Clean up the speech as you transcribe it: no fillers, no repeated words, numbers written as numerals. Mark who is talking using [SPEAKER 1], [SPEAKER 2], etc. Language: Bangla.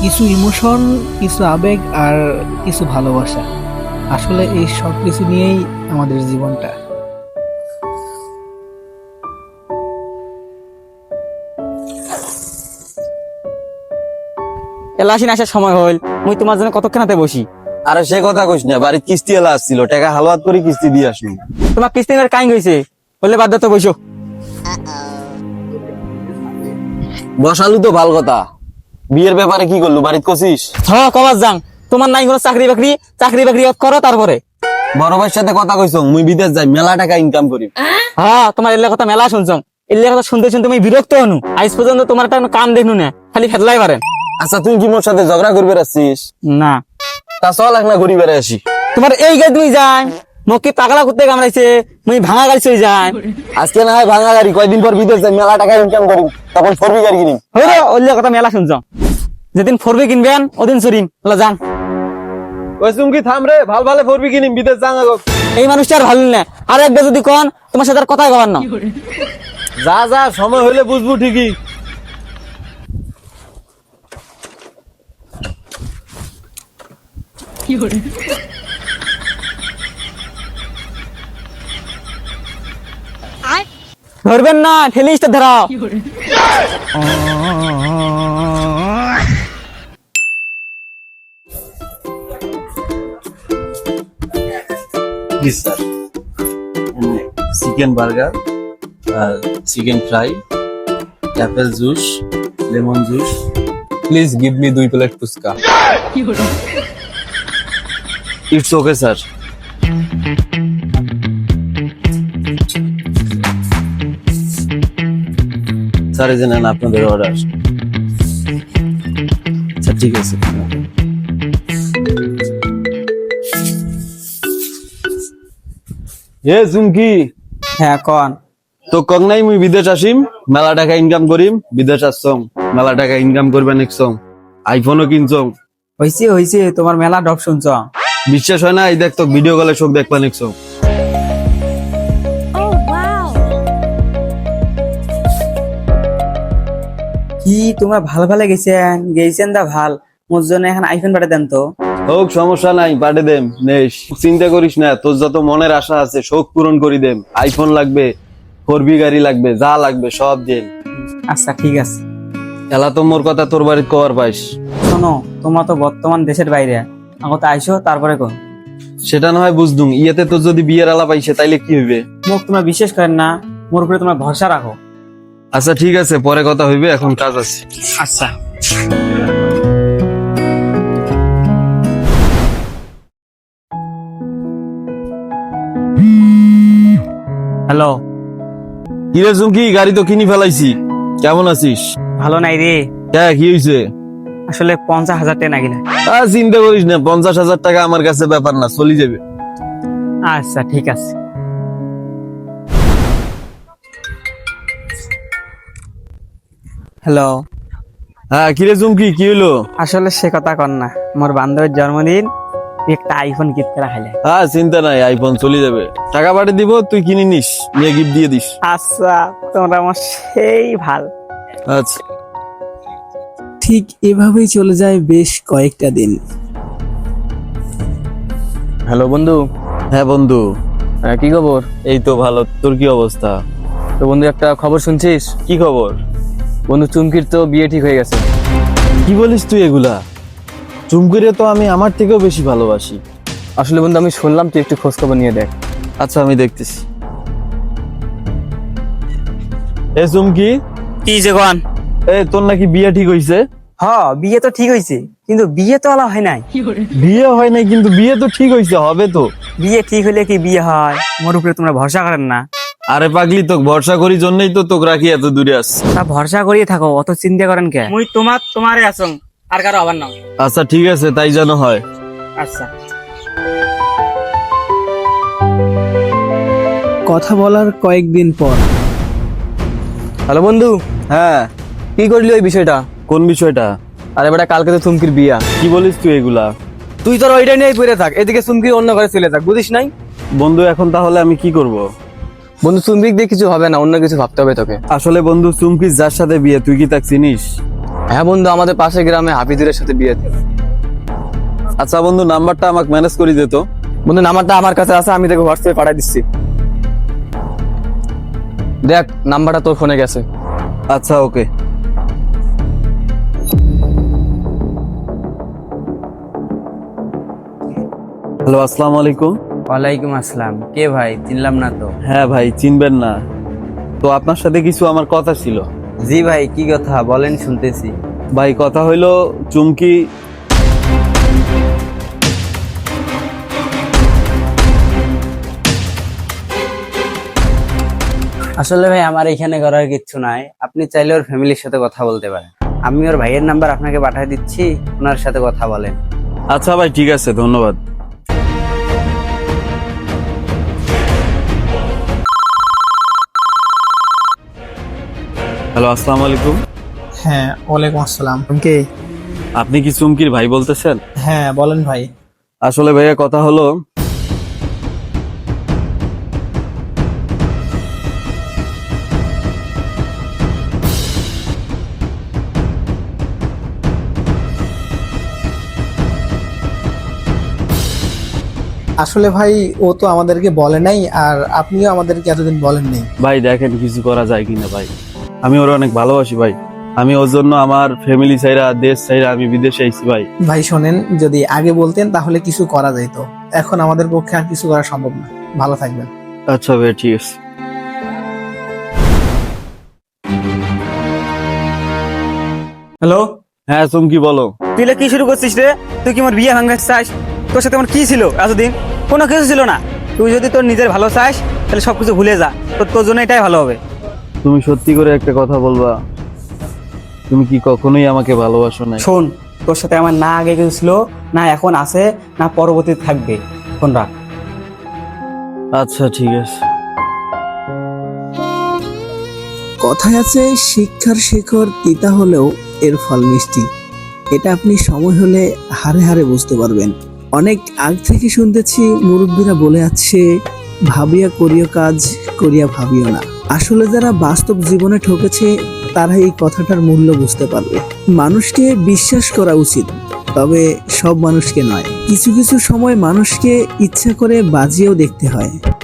[SPEAKER 1] কিছু ইমোশন, কিছু আবেগ আর কিছু ভালোবাসা। আসলে এই সব কিছু নিয়েই আমাদের জীবনটা।
[SPEAKER 2] এলাসিন আসার সময় হইল, মুই তোমার জন্য কতক্ষণ হাতে বসি।
[SPEAKER 3] আরে সে কথা কইস না, বাড়ির কিস্তি এলা আসছিল, টাকা হালুয়াত করে কিস্তি দিয়ে আসলো।
[SPEAKER 2] তোমার কিস্তিনের কাইং হয়েছে, বললে বাধ্য তো বসো।
[SPEAKER 3] বসালু তো ভাল কথা, বিয়ের ব্যাপারে কি করলু, বাড়িতে কছিস?
[SPEAKER 2] কবার যাং, তোমার নাই কোনো চাকরি বাকরি, চাকরি বাকরি করো তারপরে।
[SPEAKER 3] বড় ভাইয়ের সাথে কথা কইছ, মুই বিদেশ যাই, মেলা টাকা ইনকাম করি।
[SPEAKER 2] তোমার এলাকা কথা মেলা শুনছ, এলাকা কথা শুনতে শুনতে আমি বিরক্ত হনু। আজ পর্যন্ত তোমার একটা কাম দেখনু না, খালি ফেদলাই পারেন।
[SPEAKER 3] আচ্ছা তুই কি মোর সাথে ঝগড়া করবে আসছিস?
[SPEAKER 2] না
[SPEAKER 3] তা চল একলা ঘুরি বেড়ে আসি।
[SPEAKER 2] তোমার এই গাড়ি তুমি যাই, মোক কি পাগলা করতে কামড়াইছে, মুই ভাঙা গাড়ি চলে যাই।
[SPEAKER 3] আজকে না হয় ভাঙা গাড়ি, কয়দিন পর বিদেশ যাই, মেলা টাকা ইনকাম করি, তখন ফোরবি গাড়ি কিনি।
[SPEAKER 2] হইরে ওইলা কথা মেলা শুনছ, যেদিন ফোরবি কিনবেন ওদিন চুরিম যান।
[SPEAKER 3] ওই চুমকি থাম রে, ভাল ভালো ফোরবি কিনিম, বিদেশ যাং।
[SPEAKER 2] এই মানুষটা আর ভালো না, আর একবার যদি কন তোমার সাথে আর কথাই কবার না।
[SPEAKER 3] যা যা, সময় হইলে বুঝবো ঠিকই।
[SPEAKER 2] ধরবেন না, ঠেলিসটা ধরাও।
[SPEAKER 3] Please sir, chicken burger, chicken fry, apple juice, lemon juice. Please give me 2 plate phuchka. It's okay sir. Sir এই যে নেন আপনাদের অর্ডার। আচ্ছা ঠিক আছে। এ চুমকি,
[SPEAKER 2] হ্যাঁ কন।
[SPEAKER 3] তো কক নাই মুই বিদেশ আসিম, মেলা টাকা ইনকাম করিম, বিদেশ আসছং, মেলা টাকা ইনকাম করবে নেকছং, আইফোনও কিনছং।
[SPEAKER 2] হইছে হইছে, তোমার মেলা ডব শুনছ।
[SPEAKER 3] বিশ্বাস হয় না? এই দেখ তো ভিডিও কলে চোখ দেখবা নেকছং।
[SPEAKER 2] কি তোমার ভাল ভালে গেছেন দা ভাল, মোর জন্য এখন আইফোন পাঠা দেন তো।
[SPEAKER 3] হোক সমস্যা নাই, পাঠে দেম নেস, চিন্তা করিস না, তোর যত মনের আশা আছে শোক পূরণ করি দেম। আইফোন লাগবে, ফোরবি গাড়ি লাগবে, যা লাগবে সব দেন।
[SPEAKER 2] আচ্ছা ঠিক আছে।
[SPEAKER 3] এলা তো মোর কথা তোর বাড়িতে কবার পাইস।
[SPEAKER 2] শোনো, তোমরা তো বর্তমান দেশের বাইরে, আগত আইসো তারপরে কো।
[SPEAKER 3] সেটা না হয় বুঝদুম, ইয়েতে তোর যদি বিয়ের আলাপ আইসে তাইলে কি হইবে?
[SPEAKER 2] মুখ তোমরা বিশ্বাস করেন না, মোর উপরে তোমরা ভরসা রাখো।
[SPEAKER 3] আচ্ছা ঠিক আছে, পরে কথা হইবে, এখন কাজ আছে।
[SPEAKER 2] আচ্ছা। হ্যালো।
[SPEAKER 3] কিরে চুমকি, গাড়ি তো কিনি ফেলাইছি, কেমন আছিস?
[SPEAKER 2] ভালো নাই রে,
[SPEAKER 3] হ্যাঁ কি হয়েছে?
[SPEAKER 2] আসলে 50,000 টাকা নাকি না।
[SPEAKER 3] চিন্তা করিস না, 50,000 টাকা আমার কাছে ব্যাপার না, চলি যাবে।
[SPEAKER 2] আচ্ছা ঠিক আছে। হ্যালো।
[SPEAKER 3] হ্যাঁ কিরে চুমকি, কি হইলো?
[SPEAKER 2] আসলে সে কথা কর না, মোর বান্ধবের জন্মদিন, একটা আইফোন গিফট করা খাইলে।
[SPEAKER 3] হ্যাঁ চিন্তা নাই, আইফোন চলে যাবে, টাকা পাঠিয়ে দিব, তুই কিনে নিস, নিয়ে গিফট দিয়ে দিস।
[SPEAKER 2] আচ্ছা, তোমরা আমার সেই ভাল।
[SPEAKER 3] আচ্ছা।
[SPEAKER 1] ঠিক এভাবেই চলে যায় বেশ কয়েকটা দিন।
[SPEAKER 2] হ্যালো বন্ধু।
[SPEAKER 3] হ্যাঁ বন্ধু।
[SPEAKER 2] কি খবর?
[SPEAKER 3] এই তো ভালো, তোর কি অবস্থা?
[SPEAKER 2] তো বন্ধু একটা খবর শুনছিস?
[SPEAKER 3] কি খবর?
[SPEAKER 2] বন্ধু চুমকির তো বিয়ে ঠিক হয়ে গেছে।
[SPEAKER 3] কি বলিস তুই এগুলা? চুমকিরে তো আমি আমার থেকেও বেশি ভালোবাসি।
[SPEAKER 2] আসলে বন্ধু আমি শুনলাম, তুই একটু খোঁজ খবর নিয়ে দেখ।
[SPEAKER 3] আচ্ছা আমি দেখতেছি। এ চুমকি,
[SPEAKER 2] কি যে কন?
[SPEAKER 3] এই তোর নাকি বিয়ে ঠিক হইছে?
[SPEAKER 2] হ্যাঁ বিয়ে তো ঠিক হয়েছে, কিন্তু বিয়ে তো আলা হয় নাই।
[SPEAKER 3] বিয়ে হয় নাই কিন্তু বিয়ে তো ঠিক হইছে, হবে তো।
[SPEAKER 2] বিয়ে ঠিক হলে কি বিয়ে হয়? মোর উপরে তোমরা ভরসা করেন না।
[SPEAKER 3] আরে পাগলি, তোকে ভরসা করি জন্যই তো তোকে রাখি এত দূরে আস।
[SPEAKER 2] তা ভরসা করিয়ে থাকো, অত চিন্তা করেন কে? মুই তোমারে আসং, আর কারো আবার না।
[SPEAKER 3] আচ্ছা ঠিক আছে, তাই যেন হয়।
[SPEAKER 2] আচ্ছা।
[SPEAKER 1] কথা বলার কয়েকদিন পর।
[SPEAKER 2] হ্যালো বন্ধু।
[SPEAKER 3] হ্যাঁ
[SPEAKER 2] কি করলি ওই বিষয়টা?
[SPEAKER 3] কোন বিষয়টা?
[SPEAKER 2] আরে বেটা, কালকে তো চুমকির বিয়া।
[SPEAKER 3] কি বলিস তুই এগুলা?
[SPEAKER 2] তুই তোর ওইটা নিয়েই পড়ে থাক, এদিকে চুমকি অন্য ঘরে চলে থাক, বুঝিস নাই?
[SPEAKER 3] বন্ধু এখন তাহলে আমি কি করব?
[SPEAKER 2] বন্ধু চুমকি দিয়ে কিছু হবে না, অন্য কিছু ভাবতে হবে তোকে।
[SPEAKER 3] আসলে বন্ধু, চুমকি যার সাথে বিয়ে, তুই কি তাকে চিনিস?
[SPEAKER 4] হ্যাঁ বন্ধু, আমাদের পাশের গ্রামে হাফিজুরের সাথে বিয়ে দিল।
[SPEAKER 3] আচ্ছা বন্ধু, নাম্বারটা আমাকে ম্যানেজ করে দিত।
[SPEAKER 4] বন্ধু নাম্বারটা আমার কাছে আছে, আমি তোকে হোয়াটসঅ্যাপে পাঠিয়ে দিচ্ছি। দেখ নাম্বারটা তোর ফোনে গেছে।
[SPEAKER 3] আচ্ছা ওকে। হ্যালো, আসসালামু আলাইকুম।
[SPEAKER 5] ওয়ালাইকুম আসসালাম। কে ভাই, চিনলাম না তো।
[SPEAKER 3] হ্যাঁ ভাই, চিনবেন না তো? আপনার সাথে কিছু আমার কথা ছিল।
[SPEAKER 5] জি ভাই, কি কথা বলেন, শুনতেছি।
[SPEAKER 3] ভাই কথা হইলো, চুমকি
[SPEAKER 5] আসলে ভাই আমার এখানে করার কিচ্ছু নাই, আপনি চাইলে ওর ফ্যামিলির সাথে কথা বলতে পারেন। আমি ওর ভাইয়ের নাম্বার আপনাকে পাঠিয়ে দিচ্ছি, ওনার সাথে কথা বলেন।
[SPEAKER 3] আচ্ছা ভাই, ঠিক আছে, ধন্যবাদ। হ্যালো, আসসালামু আলাইকুম।
[SPEAKER 1] হ্যাঁ, ওয়ালাইকুম আসসালাম। কে?
[SPEAKER 3] আপনি কি চুমকির ভাই বলতেছেন?
[SPEAKER 1] হ্যাঁ, বলেন ভাই।
[SPEAKER 3] আসলে ভাইয়া কথা হলো,
[SPEAKER 1] আসলে ভাই ও তো আমাদেরকে বলে নাই, আর আপনিও আমাদেরকে এতদিন বলেন নাই।
[SPEAKER 3] ভাই দেখেন কিছু করা যায় কিনা ভাই। আমি ওরা অনেক ভালোবাসি ভাই। আমি ওর জন্য আমার ফ্যামিলি ছাইরা, দেশ ছাইরা আমি বিদেশে আইছি ভাই।
[SPEAKER 1] ভাই শোনেন, যদি আগে বলতেন তাহলে কিছু করা যেত। এখন আমাদের পক্ষে আর কিছু করা সম্ভব না। ভালো থাকবেন।
[SPEAKER 3] আচ্ছা ভাই, ঠিক আছে।
[SPEAKER 2] হ্যালো,
[SPEAKER 3] হ্যাঁ চুমকি বলো।
[SPEAKER 2] তুই কি শুরু করছিস রে? তুই কি আমার বিয়ে ভাঙতে চাস? তোর সাথে আমার কি ছিল এতদিন? কোনো কিছু ছিল না। তুই যদি তোর নিজের ভালো চাস তাহলে সবকিছু ভুলে যা, তোর জন্য এটাই ভালো হবে।
[SPEAKER 3] তুমি সত্যি করে একটা কথা বলবা, তুমি কি কখনোই আমাকে ভালোবাসো না?
[SPEAKER 2] শোন, তোর সাথে আমার না আগে কিছু ছিল, না এখন আছে, না পরবর্তীতে থাকবে। ফোন রাখ।
[SPEAKER 3] আচ্ছা ঠিক আছে।
[SPEAKER 1] কথায় আছে, শিক্ষার শিখর তিতা হলেও এর ফল মিষ্টি। এটা আপনি সময় হলে হারে হারে বুঝতে পারবেন। অনেক আগ থেকে শুনতেছি মুরব্বীরা বলে আছে, ভাবিয়া করিও কাজ, করিয়া ভাবিও না। আসলে যারা বাস্তব জীবনে ঠকেছে তারা এই কথাটার মূল্য বুঝতে পারবে। মানুষকে বিশ্বাস করা উচিত, তবে সব মানুষকে নয়। কিছু কিছু সময় মানুষকে ইচ্ছা করে বাজিয়েও দেখতে হয়।